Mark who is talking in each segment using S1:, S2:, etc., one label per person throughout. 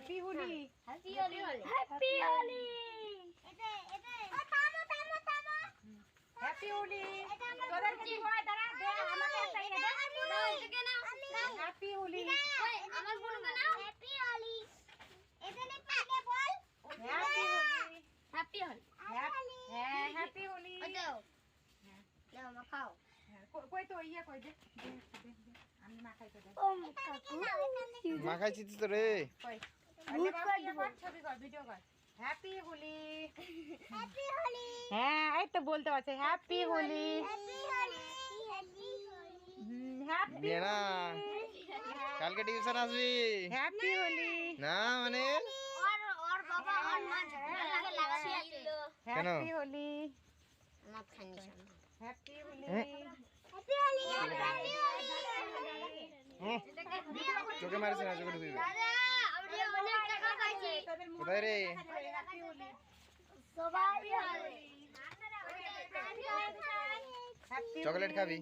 S1: Happy Holi
S2: happy Holi
S3: happy Holi.
S2: এটা এটা থামো থামো থামো
S1: হ্যাপি হোলি তোদের কি হয় দাঁড়া দে আমাকে একটা ইয়ে দে
S2: নাও এটাকে নাও
S1: হ্যাপি হোলি
S2: আমার বোনকে নাও হ্যাপি হোলি এখানে পাগে বল
S1: হ্যাপি হোলি
S2: হ্যাপি হোলি
S1: হ্যাঁ হ্যাপি হোলি
S2: দাও নাও মা খাও
S1: কই তো ইয়ে কই দে আমি মাখাই তো দে
S3: ও কাকু
S4: মাখাইছি তো রে।
S1: কই
S3: ভূত করে দিব।
S1: ছবি কর ভিডিও কর হ্যাপি হোলি
S2: হ্যাপি হোলি
S1: হ্যাঁ এই তো বলতে পারছে happy Holi
S2: happy Holi happy Holi
S1: happy
S4: বিয়ে না কালকে টিউশন আসবি
S1: হ্যাপি হোলি
S4: না মানে
S2: और बाबा और मां लगा लगासी आते
S4: কেন?
S1: হ্যাপি হোলি
S2: मत खानी शाम
S1: happy Holi
S2: happy Holi happy
S4: হুম, চোখে মারিস না চোখে ঢুকবি
S2: দাদা আমরা অনেক টাকা পাইছি
S4: কোথায় রে?
S1: হ্যাপি হোলি
S2: সবাই হোলি
S1: হ্যাপি
S4: চকলেট খাবি?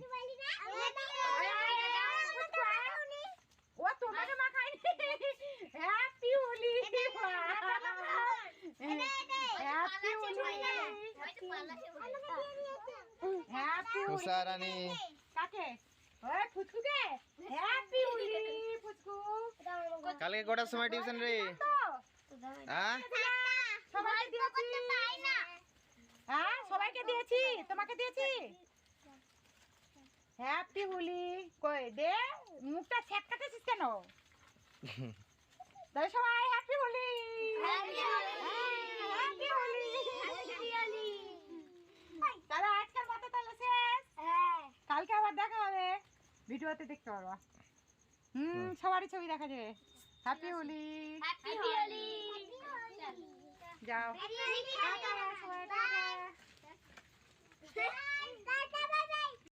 S1: ও তোমাকে মাখাইনি happy Holi happy Holi happy Holi
S4: Usha Rani
S1: কাকে ওই ফুচকুকে হ্যাপি হোলি ফুচকু
S4: কালকে কটার সময় টিউশন রে?
S1: তো
S4: হ্যাঁ
S1: সবাইকে দিয়েছি হ্যাঁ সবাইকে দিয়েছি তোমাকে দিয়েছি হ্যাপি হোলি কই দে মুখটা ছেটকাতেছিস কেন তাই সবাই happy Holi
S2: happy Holi
S1: happy Holi
S2: happy Holi
S1: তাহলে আজকের মতো তাহলে শেষ কালকে আবার দেখা হবে ভিডিওতে দেখতে পারবা সবারই ছবি দেখা যাবে হ্যাপি হোলি
S2: হ্যাপি হোলি
S1: যাও
S2: হ্যাপি হোলি
S1: টাটা সবাই টাটা